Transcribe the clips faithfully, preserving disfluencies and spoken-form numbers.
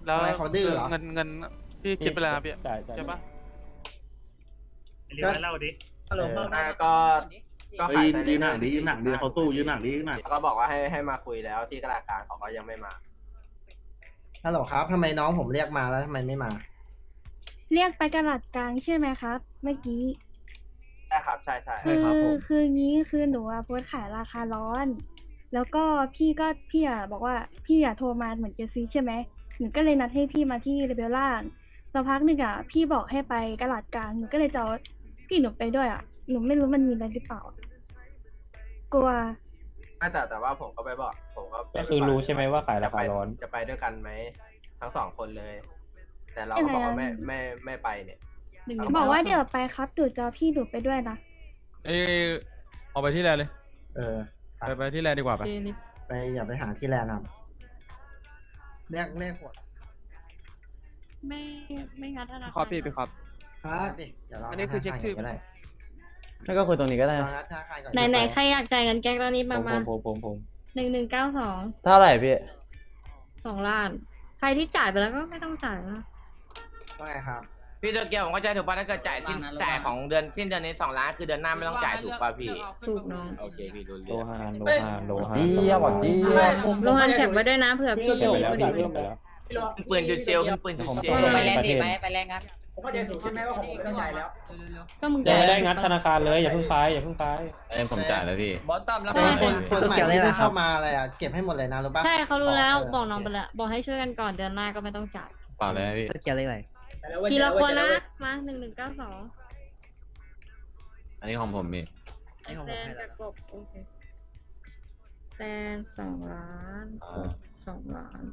แล้วทำไมเขาดื้อเหรอเงินเงินพี่คิดไปแล้วนะพี่จ่ายจ่ายใช่ปะเรียกมาเล่าดิฮัลโหลพ่ออ่าก็ก็เฮ้ขายยไปยืเรื่นอหนัยกๆดิยืนหนักดิเขาสู้ยืนหนักดิยืนหนักแล้วก็บอกว่าให้ให้มาคุยแล้วที่กระดาษกลางเขาก็ยังไม่มาฮัลโหลครับทำไมน้องผมเรียกมาแล้วทำไมไม่มาเรียกไปกระดาษกลางใช่ไหมครับ เมื่อกี้ใช่ครับใช่ใช่คือคืองี้คือหนูอะโพสต์ขายราคาร้อน แล้วก็พี่ก็พี่อะบอกว่าพี่อะโทรมาเหมือนจะซื้อใช่ไหมหนูก็เลยนัดให้พี่มาที่เรเบลล่างสักพักหนึ่งอะพี่บอกให้ไปกระดาษกลางหนูก็เลยจะเอาพี่หนูไปด้วยอะหนูไม่รู้มันมีอะไรหรือเปล่ากลัวไม่แต่แต่ว่าผมก็ไปบอกผมก็ก็คือรู้ใช่ไหมว่าขายราคาร้อนจะไปด้วยกันไหมทั้งสองคนเลย แต่เราก็บอกว่าไม่ไม่ไม่ไปเนี่ยหนูบอกว่าเดี๋ยวไปครับหนูจะเอาพี่หนูไปด้วยนะเอ้ยเอาไปที่แลนด์เลยเออไปไปที่แลนด์ดีกว่าไปไปอย่าไปหาที่แลนด์ครับเรียกเรียกหัวไม่ไม่งัดธนาคอพี่พี่ครับครับดิเดี๋ยวเราอันนี้คือเช็คชื่อก็ได้ไม่ก็คุยตรงนี้ก็ได้เรานัดธนาคารก่อนไหนไหนใครอยากจ่ายเงินแก๊งตอนนี้ผมามผมามผมผมผมหนึ่งหนึ่งเก้าสองเท่าไหร่พี่สองล้าน ใครที่จ่ายไปแล้วก็ไม่ต้องจ่ายนะว่าไงครับพี่โตเกียวผมเข้าใจถูกป่ะถ้าเกิดจ่ายสิ้นจ่ายของเดือนสิ้นเดือนนี้สองล้านคือเดือนหน้าไม่ต้องจ่ายถูกป่ะพี่ถูกน้องโอเคพี่รู้โลเรื่องหานโลหานโลหานเยี่ยมหวัดดีโลหันแคปไว้ด้วยนะเผื่อพี่เก็บไปแล้วพี่เก็บไปแล้วปืนจุดเซลขึ้นปืนจุดเซลไปแลนด์ดีไหมไปแรงงั้นผมเข้าใจถูกใช่ไหมว่าผมไม่ต้องจ่ายแล้วก็มึงยังจ่ายไม่ได้งัดธนาคารเลยอย่าเพิ่งไปอย่าเพิ่งไปเอ็มผมจ่ายแล้วพี่บอสตัมแล้วเออคนคนใหม่ที่เพิ่งเข้ามาอะไรอ่ะเก็บให้หมดเลยนะรู้ปะใช่เขารู้แล้วเบอกน้องไปแล้วบอกให้ช่วยกันก่อนเดือนหน้าก็ไม่ต้องจ่ายเปล่าเลยพี่สเกียร์เลขอะไรทีละคนนะมาหนึ่งหนึ่งเก้าสองอันนี้ของผมพี่แซนกับกบโอเคแซนสองล้านกบสองล้าน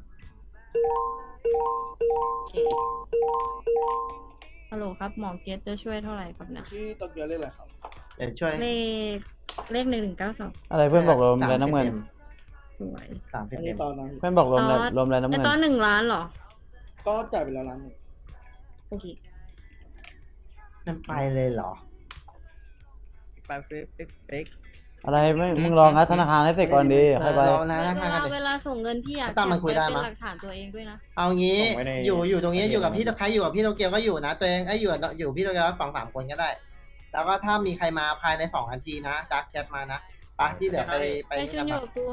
โอเคฮัลโหลครับหมอเกตจะช่วยเท่าไหร่ครับเนี่ยที่โตเกียวเรียกอะไรครับเดี๋ยวช่วยเลขเลขหนึ่งหนึ่งเก้าสองอะไรเพื่อนบอกรวมแล้วน้ำเงินสวยสามสิบอันเอ็นี้มตอนนั้นเพื่อนบอกรวมแล้วอ๋อรวมแล้วน้ำไอเงินตอนหนึ่งล้านเหรอก็จ่ายไปแล้วล้านหนึ่งโอเคมันไปเลยเหรอไปเฟกเฟกอะไรไม่มึงลองงัดธนาคารให้เสร็จก่อนดีค่อยไปเรานะเวนะลากันเวลาส่งเงินพี่อยากตั้มมันคุยได้เป็นมั้ยหลักฐานตัวเองด้วยนะเอางี้ส่งไว้ในอยู่อยู่ตรงนี้ในอยู่กับพี่ในตะใครอยู่กับพี่โตเกียวก็อยู่นะ ตัวเองไอ้ยอยู่อยู่พี่โตเกียวสองสามคนก็ได้ แล้วก็ถ้ามีใครมาภายในสองนาทีนะดักแชทมานะปะที่เหลือไปไปไอชุนอยู่กับกู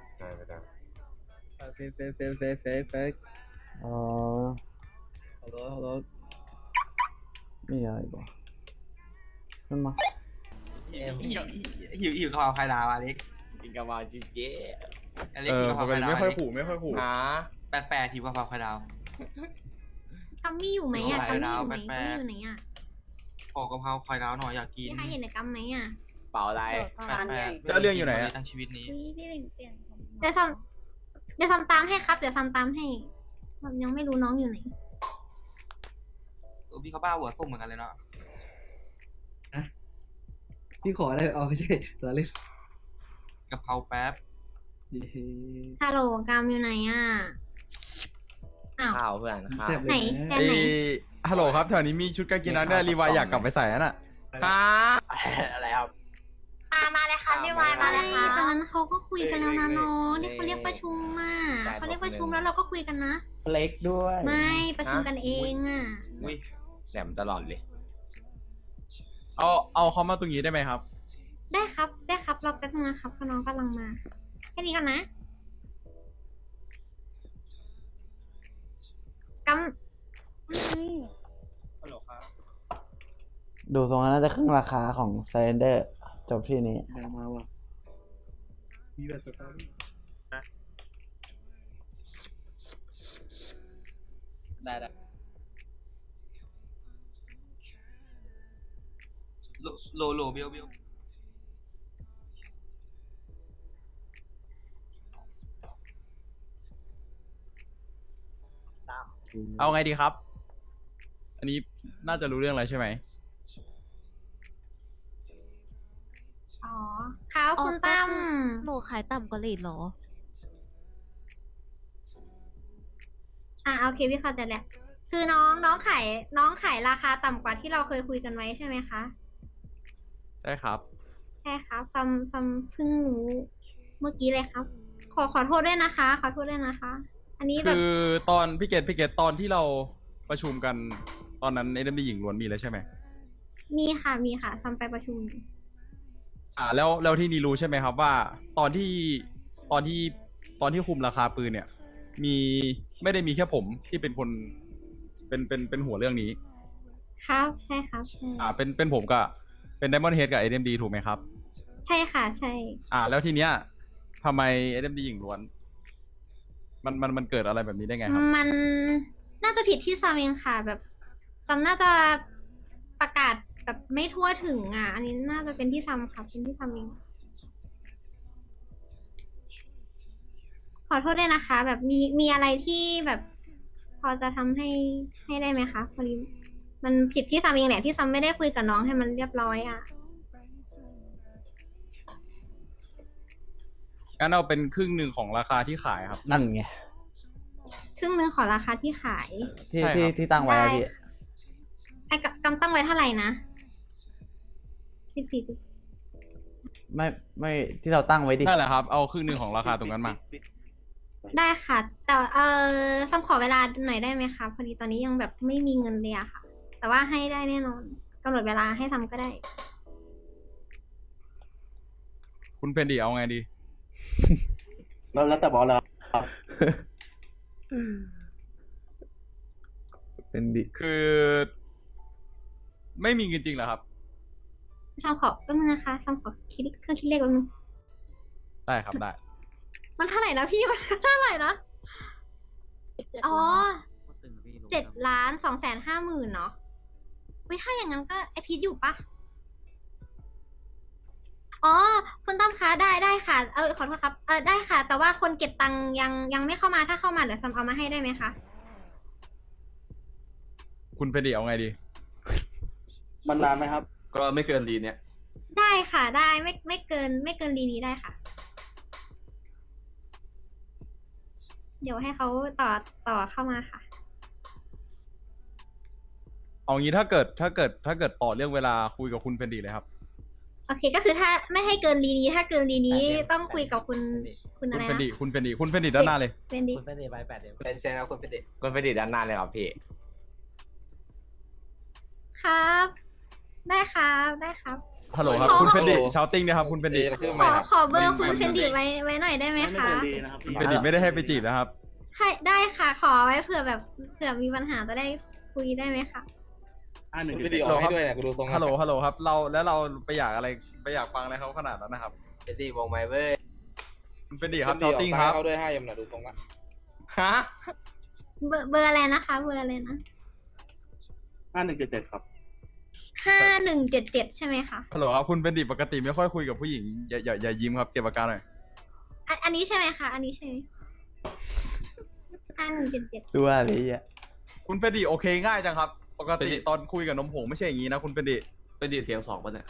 เฟกเฟกเฟกเฟกเฟกเฟกอ๋อฮัลโหลฮัลโหลมีอะไรบ้างขึ้นมาหิวหิวหิวกะเพราไข่ดาวอเล็กกินกะเพราจีเจ๊อเล็กเอกิอนกะเพปราก ไข่ติดาวไม่ค่อยขู่ไม่ค่อยขู่อ๋อแปดแปดหิวกะเพราไข่ดาวกัมมี่อยู่ไหมอ่ะไม่กัมไหวมี่อยู่ไหมแล้วกัมมี่อยู่ไหนอ่ะขอกะเพราไข่ดาวหน่อยอยากกินมีใครเห็นในกัมไหมอ่ะเปล่าอะไรแปดแปดเจ้าเรื่องอยู่ไหนอะทั้งชีวิตนี้พี่พี่เหล่งเปลี่ยนผมเดี๋ยวทำเดี๋ยวทำตามให้ครับ เดี๋ยวทำตามให้ผมยังไม่รู้น้องอยู่ไหนเออพี่เขาบ้าหัวส้มเหมือนกันเลยเนาะพี่ขออะไรเอาไม่ใช่ตัวเล็กกะเพราแป๊บฮัลโหลกัมอยู่ไหนอ่ะ อ้าวข้าวเพื่อนข้าวไหนแค่เอ้ไหนยฮัลโหลครับแถวนี้มีชุดกางเกงนักเรียนรีวายอยากกลับไปใส่น่ะค่ะอะไรครับมามาเลยค่ะเรียกวายมาเลยค่ะตอนนั้นเขาก็คุยกันแล้วนะน้องนี่เขาเรียกประชุมอ่ะเขาเรียกประชุมแล้วเราก็คุยกันนะเล็กด้วยไม่ประชุมกันเองอ่ะอุ้ยแหลมตลอดเลยเอาเอาเขามาตรงนี้ได้ไหมครับได้ครับ ได้ครับรอแป๊บนึงนะครับน้องกำลังมาแค่นี้กันนะกัมฮัลโหลครับดูทรงแล้วน่าจะครึ่งราคาของไซเรนเดอร์จบที่นี้แดงมาว่ะมีแบบสตอรี่ได้ได้โลโลโลเบลเบลเอาไงดีครับ อันนี้น่าจะรู้เรื่องอะไรใช่ไหมอ๋อครับคุณตั้มหนูขายต่ำกว่าเลทหรออ่าโอเคพี่เข้าใจแล้วคือน้องน้องขายน้องขายราคาต่ำกว่าที่เราเคยคุยกันไว้ใช่ไหมคะใช่ครับใช่ครับซัมซัมเพิ่งรู้เมื่อกี้เลยครับ ขอขอโทษด้วยนะคะ ขอโทษด้วยนะคะอันนี้แบบคือตอนพี่เกตพี่เกตตอนที่เราประชุมกันตอนนั้นเอ็มดีหญิงล้วนมีแล้วใช่ไหมมีค่ะมีค่ะซัมไปประชุมอ่าแล้วแล้วที่นี่รู้ใช่ไหมครับว่าตอนที่ตอนที่ตอนที่คุมราคาปืนเนี่ย มีไม่ได้มีแค่ผมที่เป็นคนเป็นเป็นเป็นหัวเรื่องนี้ครับใช่ครับใช่อ่าเป็นเป็นผมกับเป็น Diamond Head กับ เอ็มดี ถูกไหมครับใช่ค่ะใช่อ่า แล้วทีเนี้ยทำไม เอ็มดี หญิงล้วน มันมันมันเกิดอะไรแบบนี้ได้ไงครับมันน่าจะผิดที่ซัมเองค่ะ แบบซัมน่าจะประกาศแบบไม่ทั่วถึงอ่ะ อันนี้น่าจะเป็นที่ซัมค่ะเป็นที่ซัมเองขอโทษด้วยนะคะ แบบมีมีอะไรที่แบบพอจะทำให้ให้ได้ไหมคะพอดีมันผิดที่ซัมเองแหละที่ซัมไม่ได้คุยกับน้องให้มันเรียบร้อยอ่ะงั้นเอาเป็นครึ่งหนึ่งของราคาที่ขายครับนั่นไงครึ่งหนึ่งของราคาที่ขายที่ใช่ครับที่ที่ตั้งไว้อะพี่ไอ้กำกำตั้งไว้เท่าไหร่นะสิบสี่จุดไม่ไม่ที่เราตั้งไว้ดินั่นแหละครับ เอาครึ่งหนึ่งของราคาตรงนั้นมาได้ค่ะ แต่เออซัมขอเวลาหน่อยได้ไหมคะพอดีตอนนี้ยังแบบไม่มีเงินเลยอะค่ะ แต่ว่าให้ได้แน่นอนกำหนดเวลาให้ซัมก็ได้คุณเพนดีเอาไงดีแล้วแล้วแต่บอสแล้วเป็นดิคือ ไม่มีเงินจริงเหรอครับซัมขอแป๊บนึงนะคะซัมขอคิดเครื่องคิดเลขแป๊บนึงได้ครับได้มันเท่าไหร่นะพี่ มันเท่าไหร่นะ อ๋อเจ็ดล้านสองแสนห้าหมื่นเนาะเว้ยถ้าอย่างนั้นก็ไอพีทอยู่ปะอ๋อคุณตั้มคะได้ได้ค่ะ เออขอโทษครับ เออได้ค่ะ แต่ว่าคนเก็บตังค์ยังยังไม่เข้ามาถ้าเข้ามาเดี๋ยวซัมเอามาให้ได้ไหมคะคุณเพนดีเอาไงดีมันนานไหมครับก็ไม่เกินรีเนี่ยได้ค่ะได้ไม่ไม่เกินไม่เกินรีนี้ได้ค่ะ เดี๋ยวให้เขาต่อต่อเข้ามาค่ะเอางี้ถ้าเกิดถ้าเกิดถ้าเกิดต่อเรื่องเวลาคุยกับคุณเพนดีเลยครับโอเคก็คือถ้าไม่ให้เกินรีนี้ถ้าเกินรีนี้ต้องคุยกับคุณคุณคุอะณไรเพนนะดีคุณเพนดีคุณเพนดีด้านหน้าเลยเป็นดิคุณเป็นเดไปแปดเดือนเป็นเซนครับคุณเป็นเด็กก็ไปดิด้านหน้าเลยครับพี่ครับ ได้ครับได้ครับฮัลโหลครับขอคุณเพนดีชาวติ้งนะครับคุณเพนดีขอขอเบอร์คุณเฟนดิไว้ไว้หน่อยได้ไหมคะคุณเพนดีไม่ได้ให้ไปจีบนะครับใช่ได้ค่ะ ขอไว้เผื่อแบบเผื่อมีปัญหาจะได้คุยได้ไหมคะอ่าหนึ่งไม่ได้ออกให้ด้วยนะกูดูทรงฮัลโหลฮัลโหลครับ เราแล้วเราไปอยากอะไรไปอยากฟังอะไรเขาขนาดนั้นนะครับเป็นดีวงไม้เว้ยคุณเพนดีครับชาวติ้งครับเขาด้วยให้ยมหน่ะดูทรงละฮะเบอร์เบอร์อะไรนะคะ เบอร์อะไรนะห้าหนึ่งเจ็ดเจ็ดครับห้าหนึ่งเจ็ดเจ็ดใช่ไหมคะฮัลโหลครับคุณเพนดีปกติไม่ค่อยคุยกับผู้หญิงอย่าอย่าอย่ายิ้มครับเก็บอาการหน่อยอันอันนี้ใช่ไหมคะอันนี้ใช่ไหมห้าหนึ่งเจ็ดเจ็ดตัวอะไรอ่ะคุณเพนดีโอเคง่ายจังครับ ปกติตอนคุยกับนมผงไม่ใช่อย่างนี้นะคุณเพนดีเป็นดีเสียงสองป่ะเนี่ย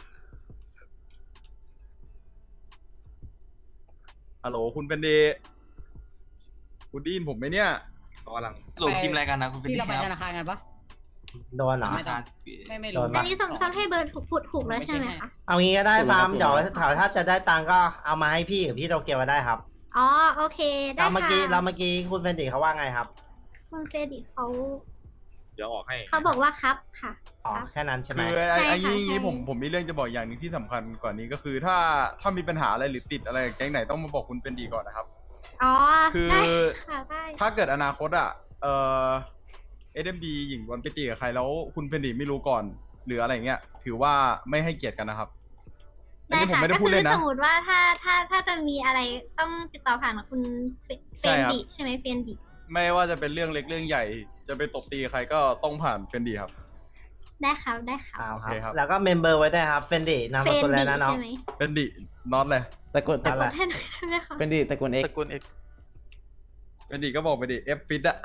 ฮัลโหลคุณเพนดีคุณไดยินผมไหมเนี่ยกำลังหลงพิมพ์อะไรกันนะคุณเป็นพี่ดีเราไปคธรับนาคารกันปะโดนเหรอไม่ต้องไม่ไม่โดรู้นอัปะนนี้จำจำให้เบอร์ถูกถูกถูกแล้วใช่ไหมคะเอางี้ก็ได้ฟาร์มเดี๋ยวถ้าถ้าจะได้ตังค์ก็เอามาให้พี่กับพี่โตเกียวก็ได้ครับอ๋อโอเคได้เราเมื่อค่ะกี้เราเมื่อกี้คุณเฟนดิเขาว่าไงครับคุณเฟรดิเขาเดี๋ยวออกให้เขาบอกว่าครับค่ะอ๋อครับแค่นั้นใช่ไหมคือไอ้ใช่ไอ้ค่ะงี้งี้ใช่ผมผมมีเรื่องจะบอกอย่างหนึงที่สำคัญกว่านี้ก็คือถ้าถ้ามีปัญหาอะไรหรือติดอะไรกับแก๊งไหนต้องมาบอกคุณเป็นดีก่อนนะครับอ๋อคือได้ค่ะได้ถ้าเกิดอนาคตอ่ะเอ่อเอ็มดีหญิงวันไปตีกับใครแล้วคุณเป็นดีไม่รู้ก่อน หรืออะไรเงี้ยถือว่าไม่ให้เกียรติกันนะครับอันได้นี้ผมค่ะไม่ได้ก็พูดคืเล่นสนะมมติว่าถ้าถ้าถ้าจะมีอะไรต้องติดต่อผ่านคุณเฟใช่นครับดิใช่ไหมเฟนดิไม่ว่าจะเป็นเรื่องเล็กเรื่องใหญ่ จะไปตบตีกับใครก็ต้องผ่านเป็นดีครับได้ครับได้ครับเอาคโอเคครัรับ บ แล้วก็เมมเบอร์ไว้ได้วยครับเฟนดินามเฟสนกุลอะไรดินะน้องใช่ไหมเป็นดีน็อตเลยตะโกนตะนั่นโกแหนละให้หน่อยได้ไหมคะเป็นดิตะโกนเอ็กตระกูลเอกเป็นดีก็บอกไปดิเอฟฟิตอะ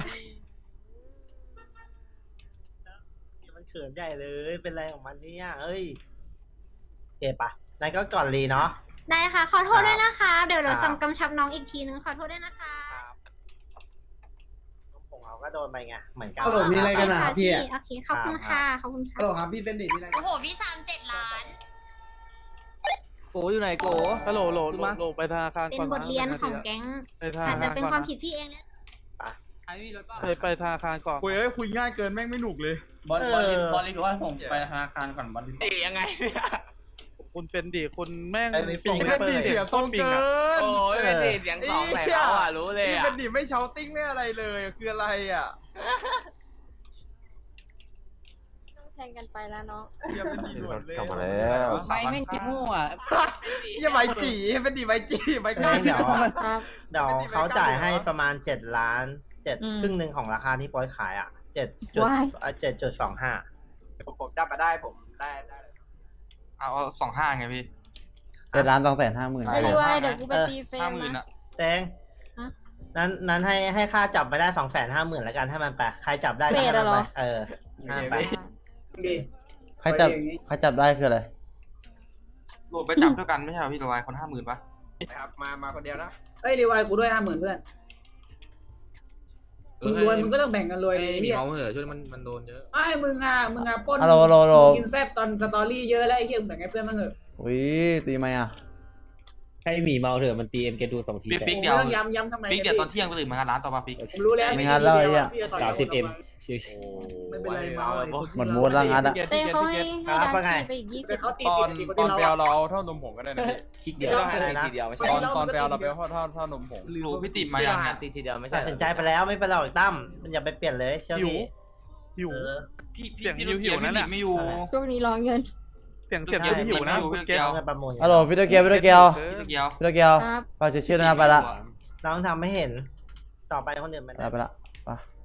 มันเขินใหญ่เลย เป็นไรของมันเนี่ยเอ้ยโอเคปะนั่นก็ก่อนรีเนาะได้ค่ะ ขอโทษด้วยนะคะ เดี๋ยวเดี๋ยวครับซัมกำชับน้องอีกทีนึงขอโทษด้วยนะคะน้องผงเขาก็โดนไปไง เหมือนกันฮัลโหลมีอะไรกันอะค่ะพี่โอเคขอบคุณค่ะขอบคุณค่ะฮัลโหลครับพี่เป็นดิมีอะไรโอ้โหพี่สามเจ็ดล้านโกอยู่ไหนโกฮัลโหลโหลโหลโหลไปธนาคารเป็นก่อนบทเรียนของแก๊งไปธนาอาจคารจะเป็นก่อนความนะผิดพี่เองนะไปไปไปธนาคารก่อนคุยเอ้ยคุยง่ายเกินแม่งไม่หนุกเลยบอลบอลบอลเลยคือว่าผมไปธนาคารก่อนบอลเอ๊ยยังไงเนี่ยคุณเป็นดิคุณแม่งไอ้นี่ปิงไอ้เป็นดีเสียทรงเกินโอ้ยเป็นดีเสียงสองใส่เขาอ่ะรู้เลยนี่อ่ะเป็นดีไม่เชาติ้งไม่อะไรเลยคืออะไรอ่ะต้องแทงกันไปแล้วเนาะอย่าเป็นดีหนวดเลยกลับมาแล้วไม่แม่งจะมั่วอย่าใบจีเป็นดีใบจีใบกล้าเดี๋ยวครับเดี๋ยวเขาจ่ายให้ประมาณเจ็ดล้านเจ็ดอืมครึ่งหนึ่งของราคาที่โป๊ยขายอ่ะเจ็ดจุดว้ายเจ็ดจุดสองห้าผมผมจำมาได้ผมได้ได้เลยเอาสองห้าไงพี่เจ็ดล้านสองแสนห้าหมื่นไอ้ดีวายเดี๋ยวกูไปตีเฟรห้าม หมื่นนะอ่ะแตงฮะนั้นนั้นให้ให้ค่าจับไปได้สองแสนห้าหมื่นแล้วกันให้มันไปใครจับได้เศษก็อะเหรอไปเออห้าไปดีใครจับใครจับได้คืออะไรรวมไปจับด้วยกันไม่ใช่เหรอพี่ตัวไอ้คนห้าหมื่นปะนะครับมามาคนเดียวนะเอ้ยรีวายกูด้วยห้าหมื่นเพื่อนมึงรวยมึงก็ต้องแบ่งกันรวยเลยมีเฮียเมาเหอะช่วยมันมันโดนเยอะไอ้มึงอ่ะมึงอ่ะปล้นฮัลโหลฮัลโหลฮัลโหลกินแซ่บตอนสตอรี่เยอะแล้วไอ้เฮียมึงแบ่งให้เพื่อนบ้างเถอะอุ้ยตีไหมอ่ะให้หมีเมาเถอะมันตีเอ็มแกดูสองทีปิ๊กผมปิ๊กไม่เดี๋ยวต้องย้ำย้ำทำไมปิ๊กเดี๋ยวตอนเที่ยงไปตื่นมางานร้านต่อมาปิ๊กผมรู้แล้วไม่งั้นแล้วไอ้เหี้ยพี่จะต่อยสามสิบเอ็มไม่เป็นไรเมาหมดมูดแล้วงั้นอ่ะเต้เขาให้ให้ครับดัว่าไงนทีไปอีกยี่แต่สิบเขาตีตอนตีตอนไปเอาเราเราเอาเท่านมผงก็ได้นะพี่คลิกเดียวไม่ต้องทีเดียวไม่ตใช่อนตอนไปเอาเราไปเอาเท่าเท่าเท่าเท่านมผงรู้พี่ติ๋มมายังเนี่ยตีทีเดียวไม่ใช่ตัดสินใจไปแล้วไม่เป็นไรหรอกตั้มมันอย่าไปเปลี่ยนเลยเชื่อพี่หิวเออพี่เสียงพี่หิวหิวพี่นั่นน่ะไม่อยู่ช่วงนี้รอเงินเสียงเสียงเดียวที่หิวนะคุณเกศเอาเงินประมูลฮัลโหลพี่โตเกียวพี่โตเกียวพี่เกียวพี่โตเกียวครับฝากชื่อด้วยนะไปละน้องทำไม่เห็น ต่อไปคนอื่นไม่ไปได้ละไปละไป